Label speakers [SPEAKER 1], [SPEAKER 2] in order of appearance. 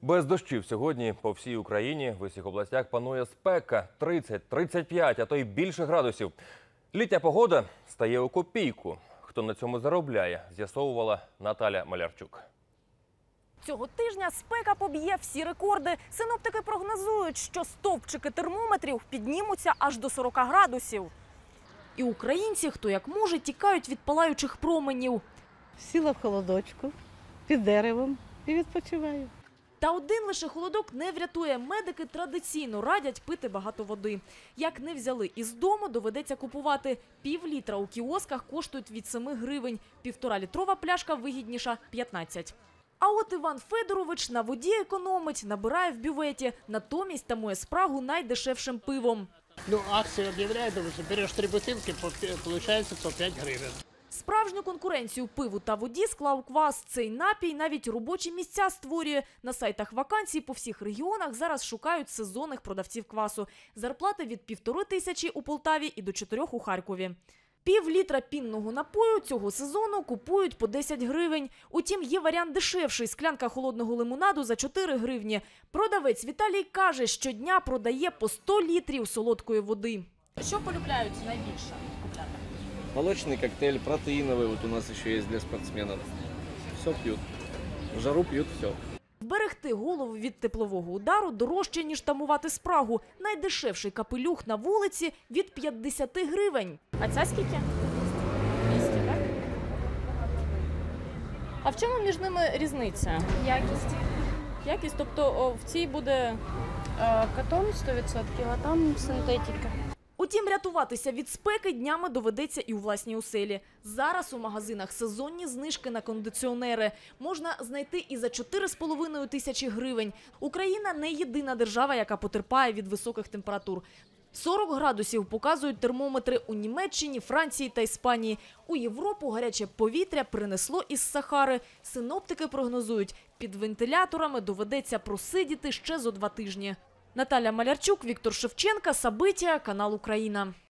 [SPEAKER 1] Без дощів сьогодні по всій Україні в усіх областях панує спека 30, 35, а то й більше градусів. Літня погода стає у копійку. Хто на цьому заробляє, з'ясовувала Наталя Малярчук.
[SPEAKER 2] Цього тижня спека поб'є всі рекорди. Синоптики прогнозують, що стовпчики термометрів піднімуться аж до 40 градусів. І українці, хто як може, тікають від палаючих променів.
[SPEAKER 3] Сіла в холодочку, під деревом і відпочиваю.
[SPEAKER 2] Та один лише холодок не врятує. Медики традиційно радять пити багато води. Як не взяли із дому, доведеться купувати. Пів-літра у кіосках коштують від 7 гривень. 1,5-літрова пляшка вигідніша – 15. А от Іван Федорович на воді економить, набирає в бюветі. Натомість тамує спрагу найдешевшим пивом.
[SPEAKER 4] Акцию объявляют, что берешь 3 бутылки, получается по 5 гривен.
[SPEAKER 2] Справжню конкуренцію пиву та воді склав квас. Цей напій навіть робочі місця створює. На сайтах вакансій по всіх регіонах зараз шукають сезонних продавців квасу. Зарплати від 1500 у Полтаві і до 4 у Харкові. Пів-літра пінного напою цього сезону купують по 10 гривень. Утім, є варіант дешевший – склянка холодного лимонаду за 4 гривні. Продавець Віталій каже, щодня продає по 100 літрів солодкої води. Що полюбляють найбільше купляти?
[SPEAKER 5] Молочный коктейль, протеиновый, вот у нас еще есть для спортсменов. Все пьют. В жару пьют все.
[SPEAKER 2] Вберегти голову від теплового удару дорожче, ніж тамувати спрагу. Найдешевший капелюх на вулиці – від 50 гривень. А ця скільки? 200, так? А в чому між ними різниця?
[SPEAKER 6] Якість.
[SPEAKER 2] Якість? Тобто в цій буде…
[SPEAKER 6] Катон 100%, а там синтетика.
[SPEAKER 2] Утім, рятуватися від спеки днями доведеться і у власній оселі. Зараз у магазинах сезонні знижки на кондиціонери. Можна знайти і за 4,5 тисячі гривень. Україна не єдина держава, яка потерпає від високих температур. 40 градусів показують термометри у Німеччині, Франції та Іспанії. У Європу гаряче повітря принесло із Сахари. Синоптики прогнозують, під вентиляторами доведеться просидіти ще зо 2 тижні. Наталя Малярчук, Віктор Шевченка, Сабиття, канал Україна.